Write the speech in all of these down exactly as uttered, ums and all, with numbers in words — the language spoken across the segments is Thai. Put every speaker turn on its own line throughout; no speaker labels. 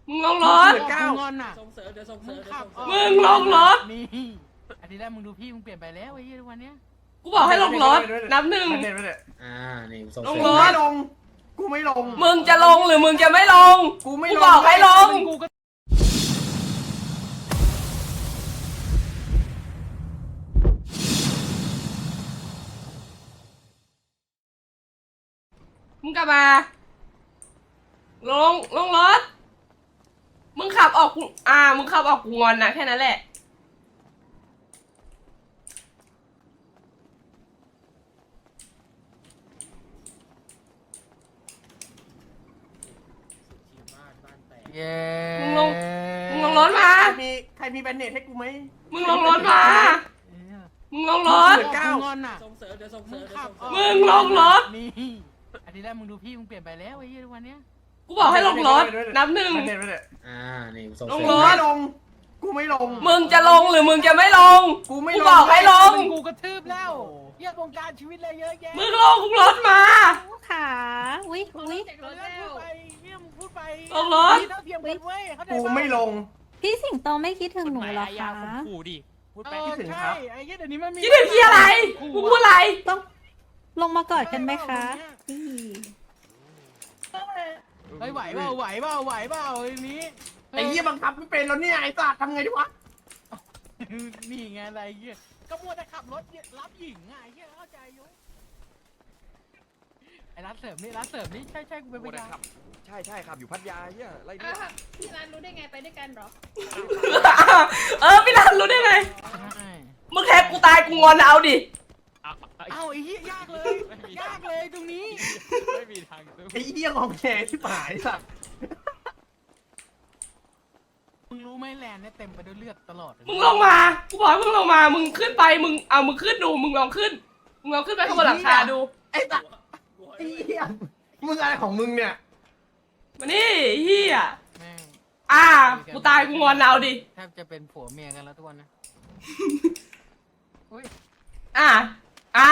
มึงลงรถ
เก้างอนอ่ะ
ส่งเสริมเดี๋ยวส่งเสริม
มึงลงรถ
นี่อาทิตย์แรกมึงดูพี่มึงเปลี่ยนไปแล้วไอ้ยี่วันเนี้ย
กูบอกให้ลงรถนับหนึ่ง
ไม่ได้ไม่ได้
อ่านี่ส่ง
ลง
เสริ
ร
ม
ถ
ไม่ลงกูไม่ลง
มึงจะลงหรือมึงจะไม่ลง
กูไม่
กู
ลง
บอกให้ลง
กูก็
มึงกลับมา ลง ลงรถ มึงขับออกกูอ่า มึงขับออกกูงอนนะแค่นั้นแหละ
บ้านบ้านแตก
เย้
มึงลง มึงลงรถมา
ใครมีใครมีแบนเนตให้กูไหม
มึงลงรถมา มึงลงรถ
เก้างอนอ่ะ
ส่งเสริมเดี๋ยวส่งเสริมเดี๋ยวส่งเสริม
มึงลงรถ
นี่อาทิตย์แรกมึงดูพี่มึงเปลี่ยนไปแล้วไอ้ยี่วันเนี้ย
กูบอกให้ลงรถ นับหนึ่ง
แบนเนตไม่ได้
อ่านี่ส่ง
ลง
เสริ
ร
ม
ถ
ไม่ลงกูไม่ลง
มึงจะลงหรือมึงจะไม่ลง
กูไม่
กู
ลง
บอกให้ลง
กูกระทืบแล้วเยี่ยวงการชีวิตเลยเยอะแยะ
มึงลงรถมา
ขาอุ้ยอุ้ย
เรื่องพูดไปเยี่ยมงพูดไป
ลงรถ
เท่าเทียมกันเว้ยเข้าใจ
กู
ปะ
ไม่ลง
พี่สิงโตไม่คิดถึงหนูเหรอคะ
ขู่ดิพูด
เอ
ไป
อ
คิดถึง
ใช่
ครับ
ไอ้เหี้ยเดี๋ยวนี้มันมี
คิดถึงที่อะไร มึงพูดอะไร
ต้องลงมากอดกันไหมคะพี่
เฮ้ยไหวเปล่าไหวเปล่าไหวเปล่าไอ้นี้
ไอ้เหี้ยบังคับไม่เป็นแล้วเนี่ยไอ้สัตว์ทำไงดีวะ
นี่ไงอะไรเงี้ยก็มัวแต่ขับรถรับหญิงไงไอ้เงี้ยเข้าใจอยุไอ้ร้านเสริมนี่ร้านเสริมนี่ใช่ใช่กูเป็นพยาน
ใช่ใช่ครับอยู่พัทยาเฮียไร
อ่ะ
เนี่ย
พี่ร้านรู้ได้ไงไปด้วยกันเหรอ
เออพี่รันรู้ได้ไง
ใช่
มึงแทงกูตายกูงอนเอาดิ
เอ้าไอ้เหี้ยยากเลยยากเลยตรงนี้
ไม่มีทางสู้
ไอ้เหี้ยงองแงที่หายสัตว์
มึงรู้ไหมแลนด์เนี่ยเต็มไปด้วยเลือดตลอดเลย
มึงลงมา กูบอกให้มึงลงมา มึงขึ้นไป มึง เอามึงขึ้นดู มึงลองขึ้น มึงลองขึ้นไปข้างบนหลังคาดู
ไอ้สัตว์ไอ้เหี้ยมึงอะไรของมึงเนี่ย
มานี่เฮีย
แม่ง
อ่า กูตายกูงอนเอาดิ
แทบจะเป็นผัวเมียกันแล้วทุกวันนะอุ้ย
อ่า อ่า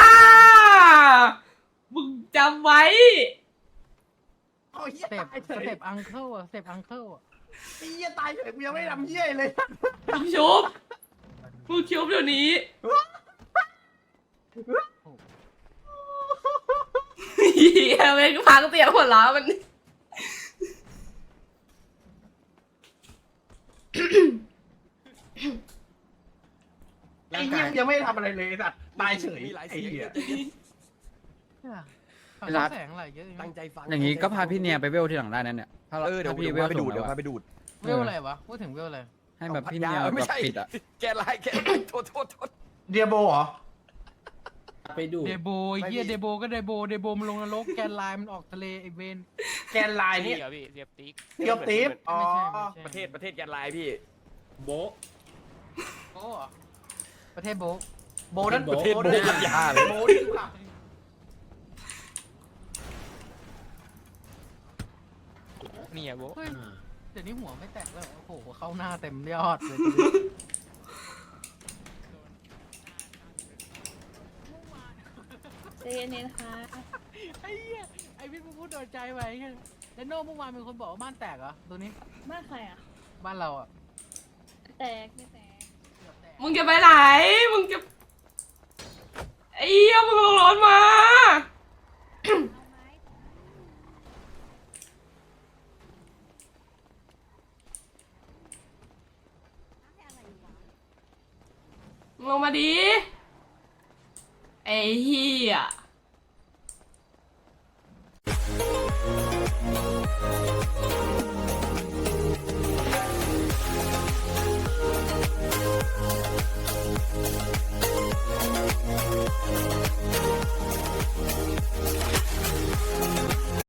มึงจำไว้
โอ้ยเหี้ย
สเต็ป
ตาย
ส
เฉย
เต็ปอังเคิลอะสเต็ปอังเคิลอะ
ไอ้เหี้ยตายเฉยกูยังไม่ทำเหี้ยเลย
มึงชุบ มึงชุบเดี๋ยวนี้เฮียเว้ยกูพังเตียงหัวล้อมัน
ไอ้เหี้ยยังไม่ทำอะไรเลยไอ้สัตว์ตายเฉย
มีหลาย
ไอ้
เสียง
เหี้ย
ฝั่งเขาแสงอะไรเยอะ
ตั้งใจฟัง
อย่างนี้ก็พาพี่เนียไปเวลที่หลังได้นั่นเนี่ยถ้าเรา
เออเดี๋ยว
ถ้าพี่
เดี๋ยว
เวล
พาไปดูด
สูง
เดี๋ยว
แล้ว
พาไปดูด
เวลอะไรวะพูดถึงเวลอะไร
ให้แบบพี่เนีย
เอาพัทยาไม่
แบบ
ใช่
ปิดอ่ะ
แกลายแกโทษโทษโทษ
เดียโบเหรอ
ไปดู
เดโบไอ้เฮียเดโบก็เดโบเดโบมันลงนรกแกนไลน์มันออกทะเลไอเวน
แกนไลน์นี่
เหรอพี่เสียบติ๊ก
เทียบตีฟอ๋อ
ไม่ใช่ไม่ใช่
ประเทศประเทศแกนลายพี่
โบะ
โอ้เหรอประเทศโบะ
โบนั่น
โบ
โบนั่น
พัทยาเลย
โบนี่คือหลัก
นี่อะโบ
เฮ้ยเดี๋ยวนี้หัวไม่แตกแล้วโอ้โหเข้าหน้าเต็มยอดเลย
ใจเย็นๆค่ะ
ไอ้เหี้ยไอ้พี่พูดโดนใจไว้ไงแล้วโน่เมื่อวานมีคนบอกว่าบ้านแตกเหรอตัวนี้
บ้านใครอ่ะ
บ้านเราอ่ะ
แตกไม่แตก
เกือบแตก
มึงจะไปไหน มึงจะไอ้เหี้ยมึงลงรถมา มึงลงมาดิ ไอ้เหี้ย